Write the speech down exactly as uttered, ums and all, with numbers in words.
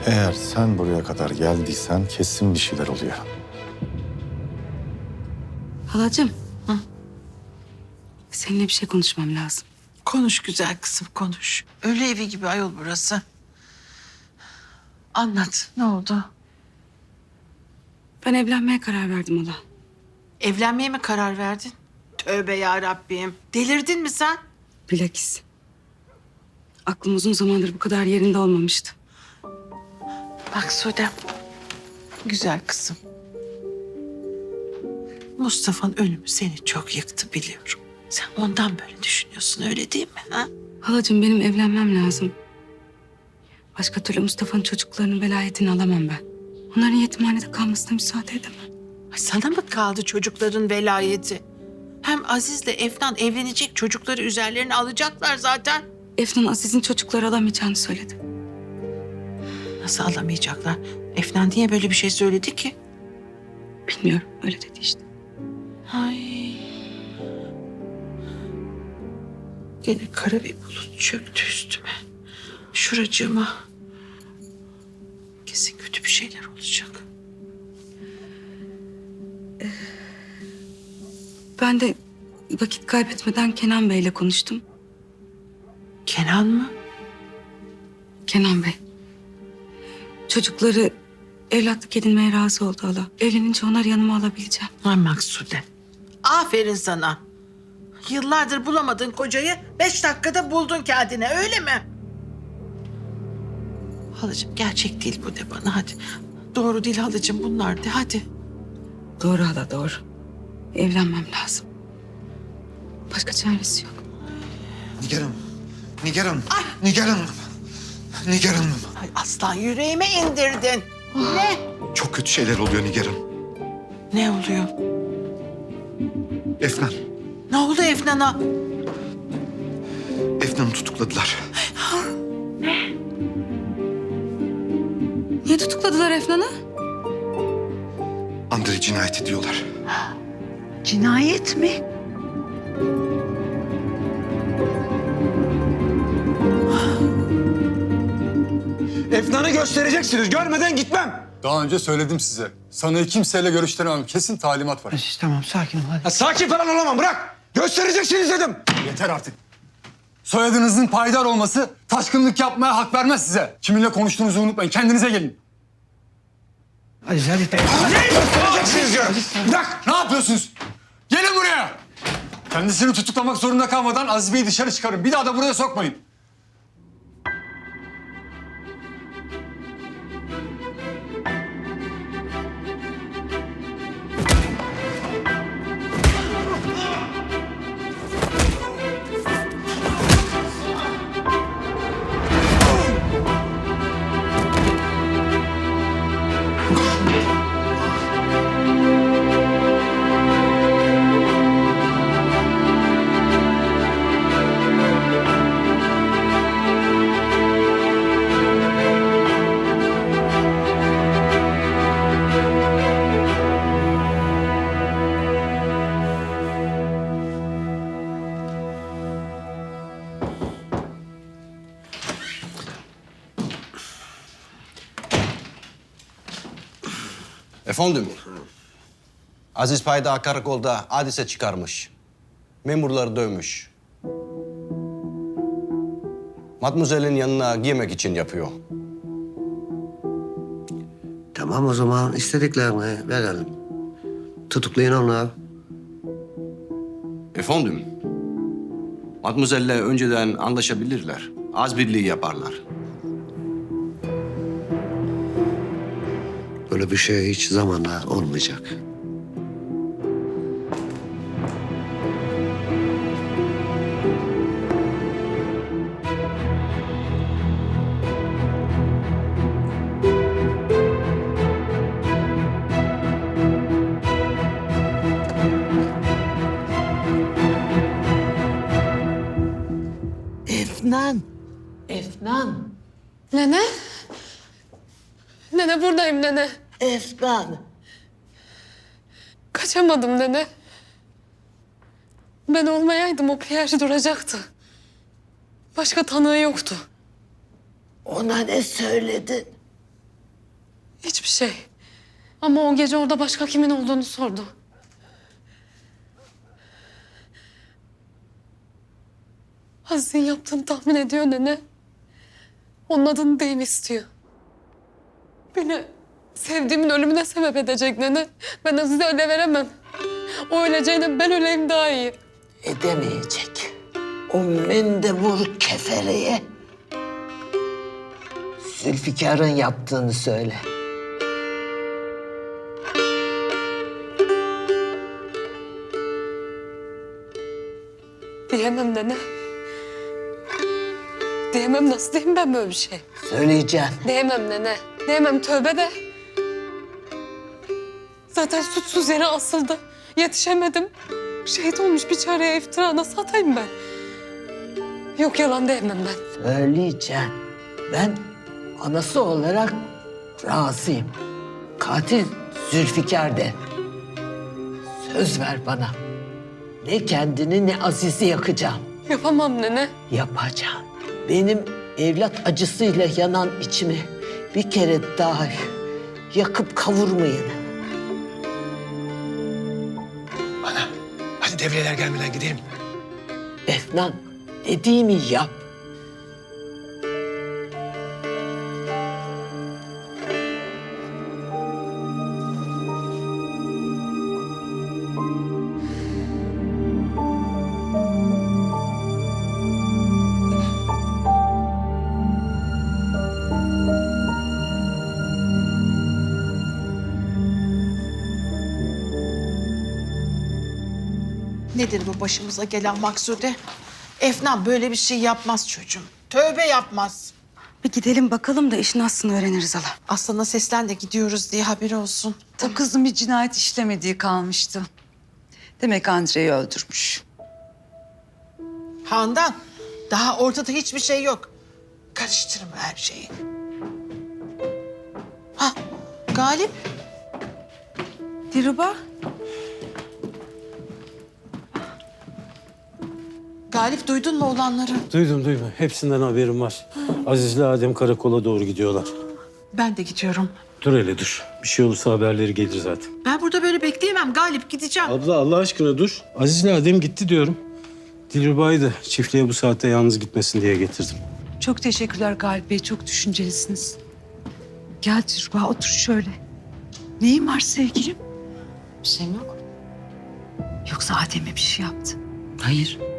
Eğer sen buraya kadar geldiysen kesin bir şeyler oluyor. Halacığım. Hı? Seninle bir şey konuşmam lazım. Konuş güzel kızım, konuş. Öyle evi gibi ayol burası. Anlat, ne oldu? Ben evlenmeye karar verdim hala. Evlenmeye mi karar verdin? Tövbe ya Rabbim. Delirdin mi sen? Bilakis. Aklım uzun zamandır bu kadar yerinde olmamıştı. Bak Sude, güzel kızım. Mustafa'nın ölümü seni çok yıktı biliyorum. Sen ondan böyle düşünüyorsun, öyle değil mi? Ha? Halacığım benim evlenmem lazım. Başka türlü Mustafa'nın çocuklarının velayetini alamam ben. Onların yetimhanede kalmasına müsaade edemem. Ay sana mı kaldı çocukların velayeti? Hem Aziz'le Efnan evlenecek, çocukları üzerlerine alacaklar zaten. Efnan Aziz'in çocukları alamayacağını söyledi. Nasıl alamayacaklar? Efnan niye böyle bir şey söyledi ki? Bilmiyorum, öyle dedi işte. Ay. Gene kara bir bulut çöktü üstüme. Şuracığıma. Kesin kötü bir şeyler olacak. Ben de vakit kaybetmeden Kenan Bey'le konuştum. Kenan mı? Kenan Bey. Çocukları evlatlık edinmeye razı oldu hala. Evlenince onları yanıma alabileceğim. Ay Maksude. Aferin sana. Yıllardır bulamadığın kocayı beş dakikada buldun kendine, öyle mi? Halacığım gerçek değil bu de bana, hadi. Doğru değil halacığım bunlar de, hadi. Doğru hala, doğru. Evlenmem lazım. Başka çaresi yok. Nigar Hanım. Nigar Hanım. Nigar Hanım. Nigar Hanım. Ay aslan yüreğime indirdin. Ne? Çok kötü şeyler oluyor Nigar Hanım. Ne oluyor? Efnan. Ne oldu Efnan'a? Efnan'ı tutukladılar. Niye tutukladılar Efnan'ı? Andrei cinayet ediyorlar. Cinayet mi? Efnan'ı göstereceksiniz. Görmeden gitmem. Daha önce söyledim size. Sanığı kimseyle görüştüremem. Kesin talimat var. Tamam sakin ol hadi. Ya sakin falan olamam. Bırak. Göstereceksiniz dedim. Yeter artık. Soyadınızın payidar olması taşkınlık yapmaya hak vermez size. Kiminle konuştuğunuzu unutmayın. Kendinize gelin. Hadi hadi. Hadi göstereceksiniz diyorum. Bırak. Ne yapıyorsunuz? Gelin buraya. Kendisini tutuklamak zorunda kalmadan Aziz Bey'i dışarı çıkarın. Bir daha da buraya sokmayın. Efendim, Aziz Payda karakolda hadise çıkarmış. Memurları dövmüş. Matmuzel'in yanına girmek için yapıyor. Tamam o zaman istediklerini verelim. Tutuklayın onları. Efendim, Matmuzel'le önceden anlaşabilirler. Az birliği yaparlar. Böyle bir şey hiç zamanla olmayacak. Efnan. Efnan. Nene? Nene buradayım nene. Efnan. Kaçamadım nene. Ben olmayaydım o Pierre duracaktı. Başka tanığı yoktu. Ona ne söyledin? Hiçbir şey. Ama o gece orada başka kimin olduğunu sordu. Aziz'in yaptığını tahmin ediyor nene. Onun adını deyim istiyor. Beni sevdiğimin ölümüne sebep edecek nene. Ben Aziz'e öyle veremem. O öleceğine ben öleyim daha iyi. Edemeyecek. O mendebur kefereye Zülfikar'ın yaptığını söyle. Diyemem nene. Diyemem, nasıl diyeyim ben böyle bir şey? Söyleyeceğim. Diyemem nene. Diyemem, tövbe de. Zaten suçsuz yere asıldı. Yetişemedim. Şehit olmuş bir çareye iftira nasıl atayım ben? Yok, yalan diyemem ben. Söyleyeceğim. Ben anası olarak razıyım. Katil Zülfikar de. Söz ver bana. Ne kendini ne Aziz'i yakacağım. Yapamam nene. Yapacağım. Benim evlat acısıyla yanan içimi bir kere daha yakıp kavurmayın. Ana, hadi devreler gelmeden gidelim. Efnan, dediğimi yap. Nedir bu başımıza gelen Maksude? Efnan böyle bir şey yapmaz çocuğum. Tövbe yapmaz. Bir gidelim bakalım da işin aslını öğreniriz hala. Aslan'a seslen de gidiyoruz diye haberi olsun. O kızın bir cinayet işlemediği kalmıştı. Demek Andre'yi öldürmüş. Handan, daha ortada hiçbir şey yok. Karıştırma her şeyi. Ha, Galip. Dilruba. Galip, duydun mu olanları? Duydum duydum. Hepsinden haberim var. Aziz'le Adem karakola doğru gidiyorlar. Ben de gidiyorum. Dur hele dur. Bir şey olursa haberleri gelir zaten. Ben burada böyle bekleyemem Galip, gideceğim. Abla Allah aşkına dur. Aziz'le Adem gitti diyorum. Dilruba'yı da çiftliğe bu saatte yalnız gitmesin diye getirdim. Çok teşekkürler Galip Bey, çok düşüncelisiniz. Gel Dilruba, otur şöyle. Neyin var sevgilim? Bir şeyim yok. Yoksa Adem'e bir şey yaptı? Hayır.